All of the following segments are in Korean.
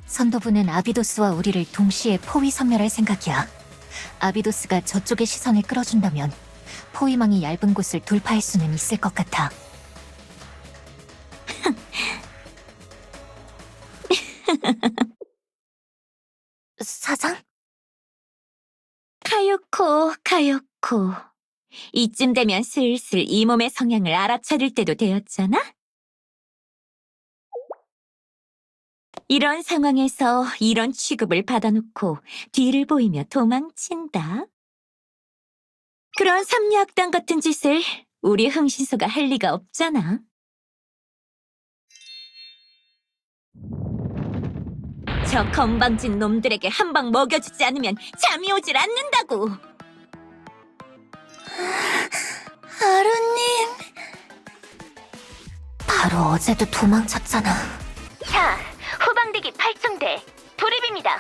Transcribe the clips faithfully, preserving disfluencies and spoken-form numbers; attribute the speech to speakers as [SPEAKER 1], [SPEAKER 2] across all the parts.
[SPEAKER 1] 선도부는 아비도스와 우리를 동시에 포위 섬멸할 생각이야. 아비도스가 저쪽의 시선을 끌어준다면 포위망이 얇은 곳을 돌파할 수는 있을 것 같아. 사장?
[SPEAKER 2] 카요코, 카요코. 이쯤 되면 슬슬 이 몸의 성향을 알아차릴 때도 되었잖아? 이런 상황에서 이런 취급을 받아놓고 뒤를 보이며 도망친다. 그런 삼류악당 같은 짓을 우리 흥신소가 할 리가 없잖아. 저 건방진 놈들에게 한 방 먹여주지 않으면 잠이 오질 않는다고.
[SPEAKER 1] 아루님. 바로 어제도 도망쳤잖아.
[SPEAKER 2] 자, 후방대기 팔 층대 돌입입니다.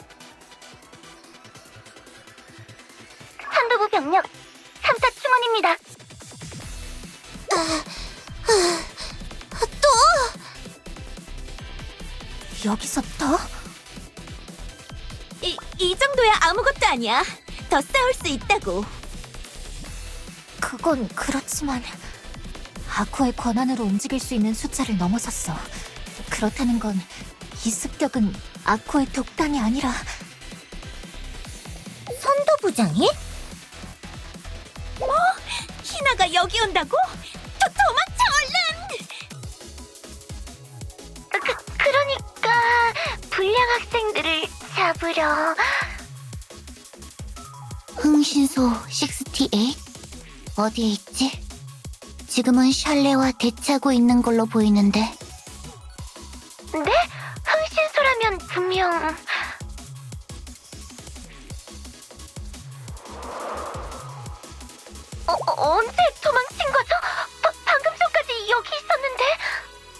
[SPEAKER 2] 선도부 병력 삼 사 충원입니다.
[SPEAKER 1] 여기서 또?
[SPEAKER 2] 이, 이 정도야 아무것도 아니야. 더 싸울 수 있다고.
[SPEAKER 1] 그건 그렇지만 아쿠의 권한으로 움직일 수 있는 숫자를 넘어섰어. 그렇다는 건 이 습격은 아쿠의 독단이 아니라
[SPEAKER 2] 선도부장이? 뭐? 희나가 여기 온다고? 도, 도망쳐 얼른! 그, 그러니까 불량 학생들을 잡으려.
[SPEAKER 3] 흥신소 육십팔? 어디에 있지? 지금은 샬레와 대치하고 있는 걸로 보이는데.
[SPEAKER 2] 네? 흥신소라면 분명... 어, 어, 언제 도망쳐?